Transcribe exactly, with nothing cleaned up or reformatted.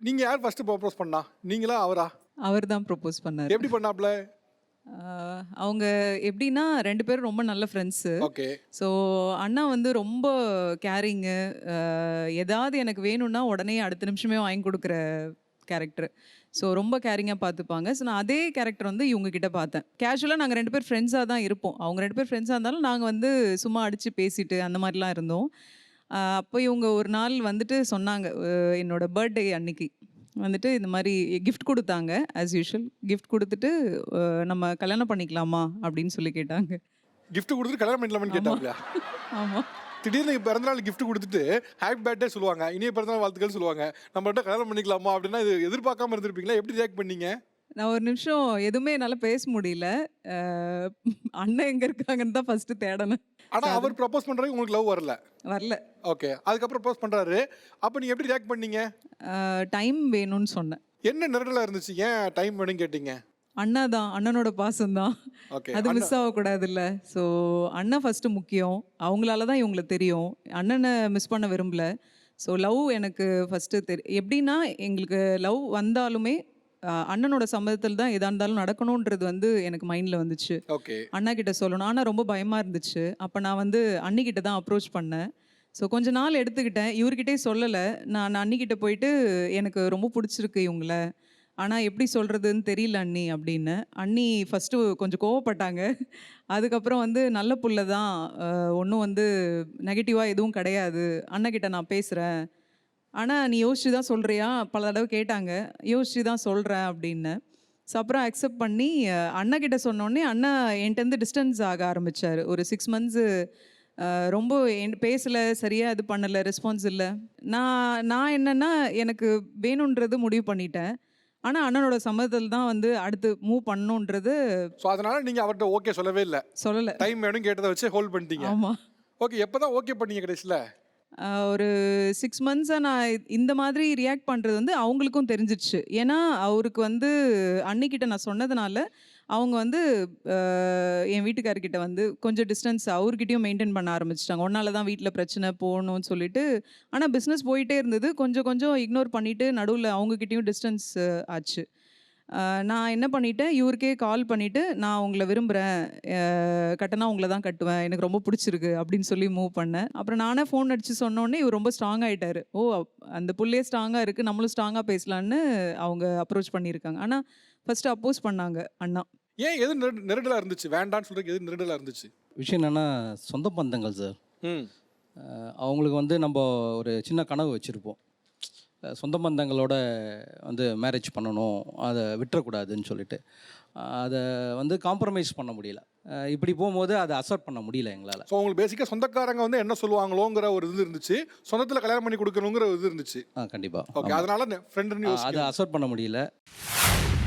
நீங்க யார் first propose பண்ணா? நீங்களா அவரா? அவர் தான் ப்ரொபோஸ் பண்ணாரு. எப்படி பண்ணாப்ல? ஆஹ் அவங்க எப்படின்னா ரெண்டு பேரும் ரொம்ப நல்ல ஃப்ரெண்ட்ஸு. ஓகே. ஸோ அண்ணா வந்து ரொம்ப கேரிங்கு. ஏதாவது எனக்கு வேணும்னா உடனே அடுத்த நிமிஷமே வாங்கி கொடுக்குற கேரக்டர். ஸோ ரொம்ப கேரிங்காக பார்த்துப்பாங்க. ஸோ நான் அதே கேரக்டர் வந்து இவங்க கிட்ட பார்த்தேன். கேஷுவலாக நாங்கள் ரெண்டு பேர் ஃப்ரெண்ட்ஸாக தான் இருப்போம். அவங்க ரெண்டு பேர் ஃப்ரெண்ட்ஸாக இருந்தாலும் நாங்கள் வந்து சும்மா அடித்து பேசிட்டு அந்த மாதிரிலாம் இருந்தோம். ஆஹ் அப்போ இவங்க ஒரு நாள் வந்துட்டு சொன்னாங்க, அஹ் என்னோட பர்த்டே அன்னைக்கு வந்துட்டு இந்த மாதிரி கிஃப்ட் கொடுத்தாங்க. ஆஸ் யூஷுவல் கிஃப்ட் கொடுத்துட்டு அஹ் நம்ம கல்யாணம் பண்ணிக்கலாமா அப்படின்னு சொல்லி கேட்டாங்க. கிஃப்ட் கொடுத்துட்டு கல்யாணம் பண்ணிக்கலாமான்னு கேட்டாப்ல. ஆமாம். திடீர்னு பிறந்தநாள் கிஃப்ட் கொடுத்துட்டு ஹாப்பி பர்த்டே சொல்லுவாங்க, இனிய பிறந்தநாள் வாழ்த்துக்கள் சொல்லுவாங்க. நம்மகிட்ட கல்யாணம் பண்ணிக்கலாமா அப்படின்னா இது எதிர்பார்க்காம இருந்திருப்பீங்களா? எப்படி ரியாக்ட் பண்ணீங்க? நான் ஒரு நிமிஷம் எதுவுமே என்னால் பேச முடியல. அஹ் அண்ணன் எங்கே இருக்காங்கன்னு தான் ஃபஸ்ட்டு தேடணும். ஆனா அவர் ப்ரப்போஸ் பண்றதுக்கு உங்களுக்கு லவ் வரல. வரல. ஓகே. அதுக்கப்புறம் ப்ரப்போஸ் பண்றாரு. அப்ப நீங்க எப்படி ரியாக்ட் பண்ணீங்க? டைம் வேணும்னு சொன்னேன். என்ன நெருடலா இருந்துச்சு? ஏன் டைம் வேணும்னு கேட்டீங்க? அண்ணா தான், அண்ணனோட பாசம் தான். ஓகே. அது மிஸ் ஆகக்கூடாதுல்ல. ஸோ அண்ணன் ஃபஸ்ட்டு முக்கியம். அவங்களால தான் இவங்களுக்கு தெரியும். அண்ணனை மிஸ் பண்ண விரும்பல. ஸோ லவ் எனக்கு ஃபஸ்ட்டு தெரி எப்படின்னா எங்களுக்கு லவ் வந்தாலுமே அஹ், அண்ணனோட சம்மதத்தில் தான் எதா இருந்தாலும் நடக்கணுன்றது வந்து எனக்கு மைண்டில் வந்துச்சு. ஓகே. அண்ணா கிட்ட சொல்லணும். ஆனால் ரொம்ப பயமாக இருந்துச்சு. அப்போ நான் வந்து அண்ணிக்கிட்ட தான் அப்ரோச் பண்ணேன். ஸோ கொஞ்ச நாள் எடுத்துக்கிட்டேன். இவர்கிட்டே சொல்லலை. நான் அண்ணிக்கிட்ட போயிட்டு எனக்கு ரொம்ப பிடிச்சிருக்கு இவங்கள, ஆனால் எப்படி சொல்கிறதுன்னு தெரியல அண்ணி அப்படின்னு. அண்ணி ஃபஸ்ட்டு கொஞ்சம் கோவப்பட்டாங்க. அதுக்கப்புறம் வந்து நல்ல புள்ள தான், ஒன்றும் வந்து நெகட்டிவாக எதுவும் கிடையாது, அண்ணக்கிட்ட நான் பேசுகிறேன், ஆனால் நீ யோசிச்சு தான் சொல்கிறியா பல தடவை கேட்டாங்க. யோசிச்சு தான் சொல்கிறேன் அப்படின்னு. ஸோ அப்புறம் அக்செப்ட் பண்ணி அஹ், அண்ணக்கிட்ட சொன்னோடனே அண்ணா என்கிட்டருந்து டிஸ்டன்ஸ் ஆக ஆரம்பித்தார். ஒரு சிக்ஸ் மந்த்ஸு ரொம்ப என் பேசலை, சரியாக இது பண்ணலை, ரெஸ்பான்ஸ் இல்லை. நான் நான் என்னென்னா எனக்கு வேணுன்றது முடிவு பண்ணிட்டேன். ஆனால் அண்ணனோட சம்மதத்தில் தான் வந்து அடுத்து மூவ் பண்ணணுன்றது ஸோ அதனால நீங்க அவர்கிட்ட ஓகே சொல்லவே இல்லை. சொல்லலை. டைம் வேணும் கேட்டதை வச்சு ஹோல்ட் பண்ணிட்டீங்க. ஆமாம். ஓகே. எப்பதான் ஓகே பண்ணீங்க கடைசியில்? ஒரு சிக்ஸ் மந்த்ஸாக நான் இந்த மாதிரி ரியாக்ட் பண்ணுறது வந்து அவங்களுக்கும் தெரிஞ்சிடுச்சு. ஏன்னா அவருக்கு வந்து அன்னிக்கிட்ட நான் சொன்னதுனால அவங்க வந்து அஹ், என் வீட்டுக்காரர்கிட்ட வந்து கொஞ்சம் டிஸ்டன்ஸ் அவர்கிட்டயும் மெயின்டைன் பண்ண ஆரம்பிச்சிட்டாங்க. ஒன்னால தான் வீட்டில் பிரச்சனை போகணும்னு சொல்லிட்டு. ஆனால் பிஸ்னஸ் போயிட்டே இருந்தது. கொஞ்சம் கொஞ்சம் இக்னோர் பண்ணிவிட்டு நடுவில் அவங்கக்கிட்டேயும் டிஸ்டன்ஸ் ஆச்சு. அஹ், நான் என்ன பண்ணிட்டேன், இவருக்கே கால் பண்ணிவிட்டு நான் உங்களை விரும்புகிறேன், கட்டினா உங்களை தான் கட்டுவேன், எனக்கு ரொம்ப பிடிச்சிருக்கு அப்படின்னு சொல்லி மூவ் பண்ணேன். அப்புறம் நானே ஃபோன் அடித்து சொன்னோடனே இவர் ரொம்ப ஸ்ட்ராங் ஆகிட்டார். ஓ, அந்த புள்ளையே ஸ்ட்ராங்காக இருக்குது, நம்மளும் ஸ்ட்ராங்காக பேசலான்னு அவங்க அப்ரோச் பண்ணியிருக்காங்க. ஆனால் ஃபஸ்ட்டு அப்போஸ் பண்ணாங்க அண்ணா. ஏன் எது நெரு- நெருடலா இருந்துச்சு? வேண்டான்னு சொல்றதுக்கு எது நெருடலா இருந்துச்சு? விஷயம் என்னென்னா சொந்த பந்தங்கள் சார். ம். அஹ் அவங்களுக்கு வந்து நம்ம ஒரு சின்ன கனவு வச்சுருப்போம், அஹ் சொந்த பந்தங்களோட வந்து மேரேஜ் பண்ணணும், அதை விட்டுறக்கூடாதுன்னு சொல்லிட்டு. அஹ் அதை வந்து காம்ப்ரமைஸ் பண்ண முடியல. அஹ் இப்படி போகும்போது அதை அக்செப்ட் பண்ண முடியல எங்களால். ஸோ உங்களுக்கு பேசிக்காக சொந்தக்காரங்க வந்து என்ன சொல்லுவாங்களோங்கிற ஒரு இது இருந்துச்சு, சொந்தத்தில் கல்யாணம் பண்ணி கொடுக்கணுங்கிற ஒரு இது இருந்துச்சு. ஆ கண்டிப்பாக. ஓகே. அதனால ஃப்ரெண்டுன்னு அதை யோசிச்சு அக்செப்ட் பண்ண முடியல.